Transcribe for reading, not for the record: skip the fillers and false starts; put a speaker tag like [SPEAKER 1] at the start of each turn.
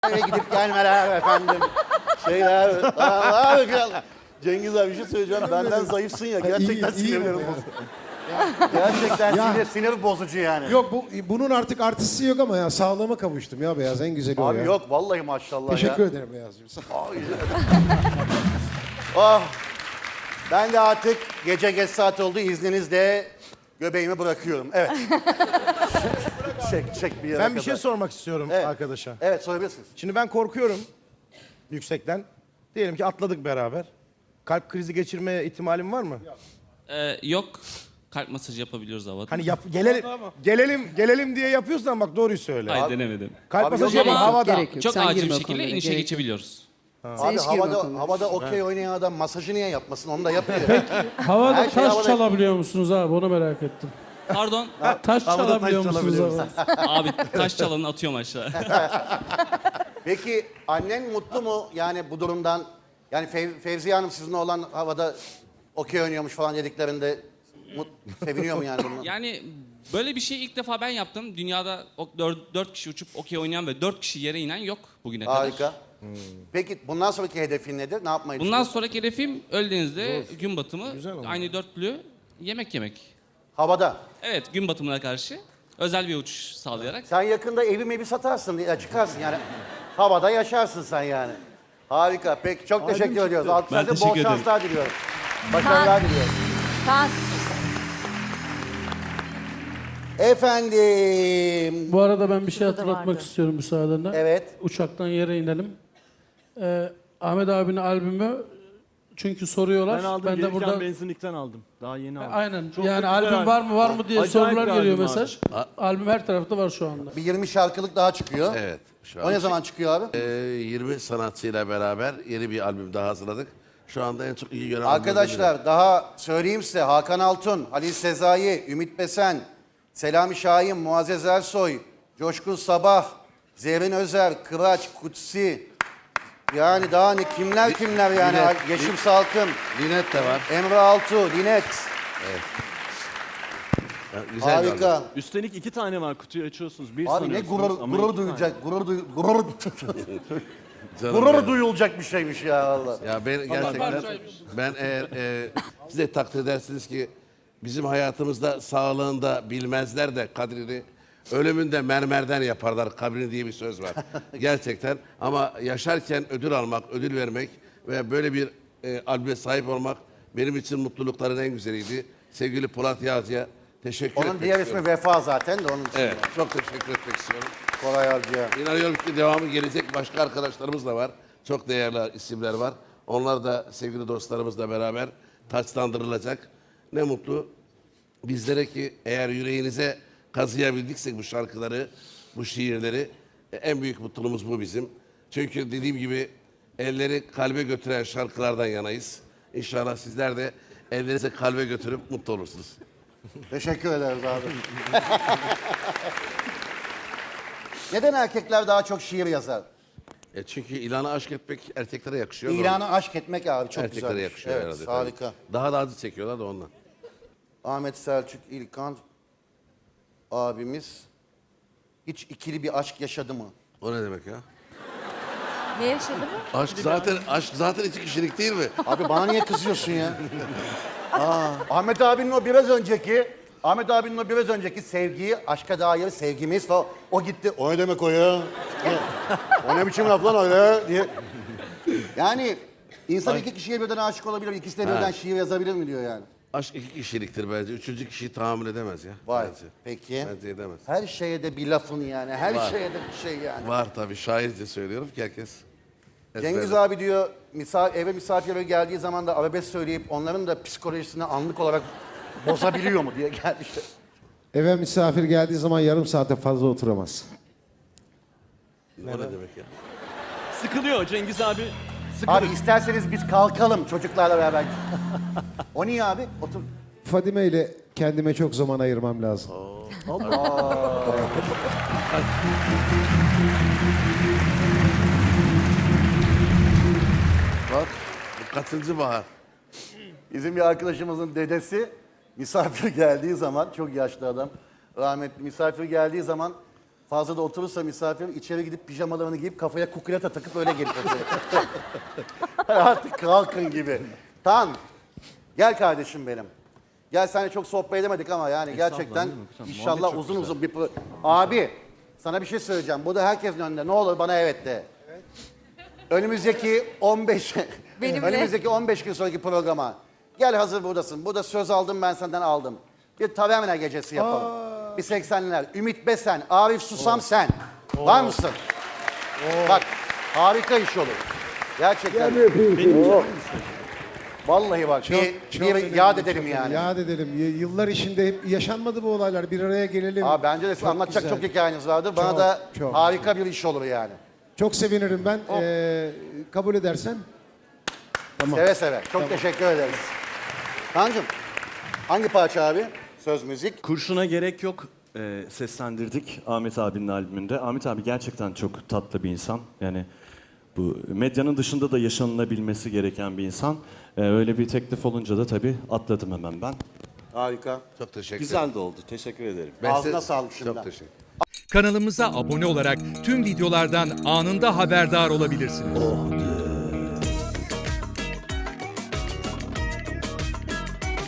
[SPEAKER 1] Eve gidip gelmeler efendim. Şeyler. Allah. Cengiz abi bir şey söyleyeceğim. Benden zayıfsın ya. Gerçekten sinirlerim bozucu. Gerçekten sinir bozucu yani.
[SPEAKER 2] Yok bunun artık artısı yok ama ya sağlığıma kavuştum ya Beyaz, en güzeli o
[SPEAKER 1] Abi
[SPEAKER 2] ya.
[SPEAKER 1] yok vallahi maşallah
[SPEAKER 2] Teşekkür
[SPEAKER 1] ya.
[SPEAKER 2] ederim Beyazcığım.
[SPEAKER 1] Oh. Ben de artık gece geç saat oldu. İzninizle göbeğimi bırakıyorum. Evet. çek bir yere
[SPEAKER 3] Ben bir şey
[SPEAKER 1] kadar.
[SPEAKER 3] sormak istiyorum
[SPEAKER 1] Evet.
[SPEAKER 3] arkadaşa.
[SPEAKER 1] Evet sorabilirsiniz.
[SPEAKER 3] Şimdi ben korkuyorum yüksekten. Diyelim ki atladık beraber. Kalp krizi geçirme ihtimalim var mı?
[SPEAKER 4] Yok. Kalp masajı yapabiliyoruz havada.
[SPEAKER 3] Hani gelelim diye yapıyorsan bak doğruyu söyle.
[SPEAKER 4] Hayır denemedim.
[SPEAKER 3] Kalp
[SPEAKER 1] Abi
[SPEAKER 3] masajı
[SPEAKER 1] yok
[SPEAKER 3] yapalım
[SPEAKER 4] ama-
[SPEAKER 3] havada.
[SPEAKER 5] Gerek yok.
[SPEAKER 4] Çok
[SPEAKER 5] Sen
[SPEAKER 4] acil
[SPEAKER 5] girme
[SPEAKER 4] bir
[SPEAKER 5] o
[SPEAKER 4] şekilde
[SPEAKER 5] konulara,
[SPEAKER 4] inişe
[SPEAKER 5] gerek yok.
[SPEAKER 4] geçebiliyoruz.
[SPEAKER 1] Abi
[SPEAKER 5] hiç girme o konulara.
[SPEAKER 1] havada okey oynayan adam masajı niye yapmasın? Onu da yapıyor.
[SPEAKER 6] Havada
[SPEAKER 1] Her şey
[SPEAKER 6] taş
[SPEAKER 1] havada-
[SPEAKER 6] çalabiliyor musunuz abi? Onu merak ettim.
[SPEAKER 4] Pardon.
[SPEAKER 6] Taş çalabiliyor musunuz
[SPEAKER 3] çalabiliyoruz.
[SPEAKER 6] abi?
[SPEAKER 4] Abi taş çalanı atıyorum aşağı.
[SPEAKER 1] Peki annen mutlu mu yani bu durumdan? Yani Fevziye Hanım sizinle olan havada okey oynuyormuş falan dediklerinde seviniyor mu yani bundan?
[SPEAKER 4] Yani böyle bir şey ilk defa ben yaptım. Dünyada 4 kişi uçup okey oynayan ve 4 kişi yere inen yok bugüne kadar.
[SPEAKER 1] Harika. Peki bundan sonraki hedefin nedir? Ne yapmayı
[SPEAKER 4] Bundan
[SPEAKER 1] düşünüyorsun?
[SPEAKER 4] sonraki hedefim Öldeniz'de gün batımı
[SPEAKER 3] oldu.
[SPEAKER 4] aynı dörtlü yemek yemek.
[SPEAKER 1] Havada.
[SPEAKER 4] Evet gün batımına karşı özel bir uçuş sağlayarak.
[SPEAKER 1] Sen yakında evi satarsın, ya çıkarsın yani. Havada yaşarsın sen yani. Harika. Peki çok teşekkür ediyoruz. Size bol
[SPEAKER 4] teşekkür ederim.
[SPEAKER 1] şanslar diliyorum. Başarılar diliyorum.
[SPEAKER 7] Kaan,
[SPEAKER 1] Efendim.
[SPEAKER 6] Bu arada ben bir şey
[SPEAKER 7] Şurada
[SPEAKER 6] hatırlatmak
[SPEAKER 7] vardı.
[SPEAKER 6] istiyorum müsaadenle.
[SPEAKER 1] Evet.
[SPEAKER 6] Uçaktan yere inelim. Ahmet abinin albümü çünkü soruyorlar.
[SPEAKER 8] Ben aldım,
[SPEAKER 6] de
[SPEAKER 8] gelirken
[SPEAKER 6] burada
[SPEAKER 8] benzinlikten aldım. Daha yeni aldım.
[SPEAKER 6] aynen
[SPEAKER 8] Çok
[SPEAKER 6] yani
[SPEAKER 8] da güzel
[SPEAKER 6] albüm var mı diye
[SPEAKER 8] Acayip
[SPEAKER 6] sorular
[SPEAKER 8] bir
[SPEAKER 6] geliyor
[SPEAKER 8] albüm abi.
[SPEAKER 6] mesaj. Albüm her tarafta var şu anda.
[SPEAKER 1] Bir 20 şarkılık daha çıkıyor.
[SPEAKER 9] Evet. Şu
[SPEAKER 1] O ne zaman çıkıyor abi?
[SPEAKER 9] 20 sanatçıyla beraber yeni bir albüm daha hazırladık. Şu anda en çok iyi gören
[SPEAKER 1] Arkadaşlar daha söyleyeyim size Hakan Altun, Halil Sezai, Ümit Besen, Selami Şahin, Muazzez Ersoy, Coşkun Sabah, Zerrin Özer, Kıraç, Kutsi. Yani daha ne kimler yani.
[SPEAKER 9] Linet.
[SPEAKER 1] Yeşim Salkım,
[SPEAKER 9] Linet de var.
[SPEAKER 1] Emre Altuğ, Linet.
[SPEAKER 9] Ya, güzel bir albüm.
[SPEAKER 1] Harika.
[SPEAKER 8] Üstelik 2 tane var, kutuyu açıyorsunuz. Bir
[SPEAKER 1] Abi ne
[SPEAKER 8] sanıyorsunuz ama
[SPEAKER 1] gurur
[SPEAKER 8] 2 tane.
[SPEAKER 1] duyacak,
[SPEAKER 9] Canım
[SPEAKER 1] gurur
[SPEAKER 9] benim.
[SPEAKER 1] duyulacak bir şeymiş ya Allah.
[SPEAKER 9] Ya ben gerçekten ben eğer siz de takdir edersiniz ki bizim hayatımızda sağlığında bilmezler de kadrini ölümünde mermerden yaparlar kabrini diye bir söz var. Gerçekten ama yaşarken ödül almak, ödül vermek ve böyle bir albüme sahip olmak benim için mutlulukların en güzeliydi. Sevgili Polat Yağcı'ya teşekkür
[SPEAKER 1] Onun
[SPEAKER 9] etmek
[SPEAKER 1] diğer
[SPEAKER 9] istiyorum.
[SPEAKER 1] ismi Vefa zaten de onun için.
[SPEAKER 9] Evet, çok teşekkür etmek istiyorum.
[SPEAKER 1] Koray Avcı'ya.
[SPEAKER 9] İnanıyorum ki devamı gelecek. Başka arkadaşlarımız da var. Çok değerli isimler var. Onlar da sevgili dostlarımızla beraber taçlandırılacak. Ne mutlu bizlere ki eğer yüreğinize kazıyabildiksek bu şarkıları, bu şiirleri en büyük mutluluğumuz bu bizim. Çünkü dediğim gibi elleri kalbe götüren şarkılardan yanayız. İnşallah sizler de ellerinizi kalbe götürüp mutlu olursunuz.
[SPEAKER 1] Teşekkür ederiz abi. Neden erkekler daha çok şiir yazar?
[SPEAKER 9] Çünkü ilanı aşk etmek erkeklere yakışıyor.
[SPEAKER 1] İlanı aşk etmek abi çok
[SPEAKER 9] Erkeklere
[SPEAKER 1] güzel.
[SPEAKER 9] yakışıyor
[SPEAKER 1] Evet,
[SPEAKER 9] herhalde.
[SPEAKER 1] harika.
[SPEAKER 9] tabii. Daha da acı çekiyorlar da ondan.
[SPEAKER 1] Ahmet Selçuk İlkan abimiz hiç ikili bir aşk yaşadı mı?
[SPEAKER 9] O ne demek ya?
[SPEAKER 7] ne yaşadı mı?
[SPEAKER 9] Aşk zaten iki kişilik değil mi?
[SPEAKER 1] Abi bana niye kızıyorsun ya? Ahmet abinin o biraz önceki sevgiyi, aşka dair sevgimiz falan. O gitti. O ne demek o ya? O ne biçim laf lan öyle diye. Yani insan iki kişiye birden aşık olabilir, ikisi de birden şiir yazabilir mi diyor yani.
[SPEAKER 9] Aşk iki kişiliktir bence. Üçüncü kişiyi tahammül edemez ya.
[SPEAKER 1] Vay.
[SPEAKER 9] Bence.
[SPEAKER 1] Peki.
[SPEAKER 9] Bence edemez.
[SPEAKER 1] Her şeye de bir lafın yani. Her
[SPEAKER 9] Var.
[SPEAKER 1] şeye de bir şey yani.
[SPEAKER 9] Var tabii. Şairce söylüyorum ki herkes.
[SPEAKER 1] Cengiz
[SPEAKER 9] ezberler.
[SPEAKER 1] abi diyor eve misafirleri geldiği zaman da arabesk söyleyip onların da psikolojisini anlık olarak bozabiliyor mu diye gelmişti.
[SPEAKER 2] Eve misafir geldiği zaman yarım saate fazla oturamaz.
[SPEAKER 9] O ne demek ya?
[SPEAKER 8] Sıkılıyor Cengiz abi. Sıkılıyor.
[SPEAKER 1] Abi isterseniz biz kalkalım çocuklarla beraber. O niye abi? Otur.
[SPEAKER 2] Fadime ile kendime çok zaman ayırmam lazım.
[SPEAKER 9] Bak. Bu kaçıncı bahar?
[SPEAKER 1] Bizim bir arkadaşımızın dedesi misafir geldiği zaman, çok yaşlı adam, rahmetli misafir geldiği zaman Fazla da oturursa misafir içeri gidip pijamalarını giyip kafaya kukulata takıp öyle gelip oturuyor. Artık kalkın gibi. Tamam. Gel kardeşim benim. Gel seninle çok sohbet edemedik ama yani gerçekten inşallah uzun uzun bir... Abi sana bir şey söyleyeceğim. Bu da herkesin önünde. Ne olur bana evet de. Önümüzdeki 15
[SPEAKER 7] Benimle.
[SPEAKER 1] önümüzdeki 15 gün sonraki programa gel, hazır buradasın. Burada söz aldım, ben senden aldım. Bir taverna gecesi yapalım. Bir 80'ler. Ümit Besen, Arif Susam sen. Var mısın? Bak harika iş olur. Gerçekten. Vallahi bak bir
[SPEAKER 2] önemli,
[SPEAKER 1] yad
[SPEAKER 2] çok
[SPEAKER 1] edelim
[SPEAKER 2] önemli.
[SPEAKER 1] yani.
[SPEAKER 2] Yad edelim. Yıllar içinde hep yaşanmadı bu olaylar. Bir araya gelelim.
[SPEAKER 1] Abi bence de anlatacak
[SPEAKER 2] güzel.
[SPEAKER 1] çok hikayeniz vardır. Bana
[SPEAKER 2] Çok,
[SPEAKER 1] da
[SPEAKER 2] çok.
[SPEAKER 1] harika bir iş olur yani.
[SPEAKER 2] Çok sevinirim ben. Kabul edersen. Tamam.
[SPEAKER 1] Seve seve. Çok teşekkür ederiz. Kaan'cığım hangi parça abi? Söz müzik.
[SPEAKER 5] Kurşuna gerek yok seslendirdik Ahmet abinin albümünde. Ahmet abi gerçekten çok tatlı bir insan. Yani bu medyanın dışında da yaşanılabilmesi gereken bir insan. Öyle bir teklif olunca da tabii atladım hemen ben.
[SPEAKER 1] Harika.
[SPEAKER 9] Çok teşekkür ederim.
[SPEAKER 5] Güzel de oldu. Teşekkür ederim.
[SPEAKER 1] Ağzına sağlık şimdiden.
[SPEAKER 9] Çok teşekkür
[SPEAKER 10] Kanalımıza abone olarak tüm videolardan anında haberdar olabilirsiniz.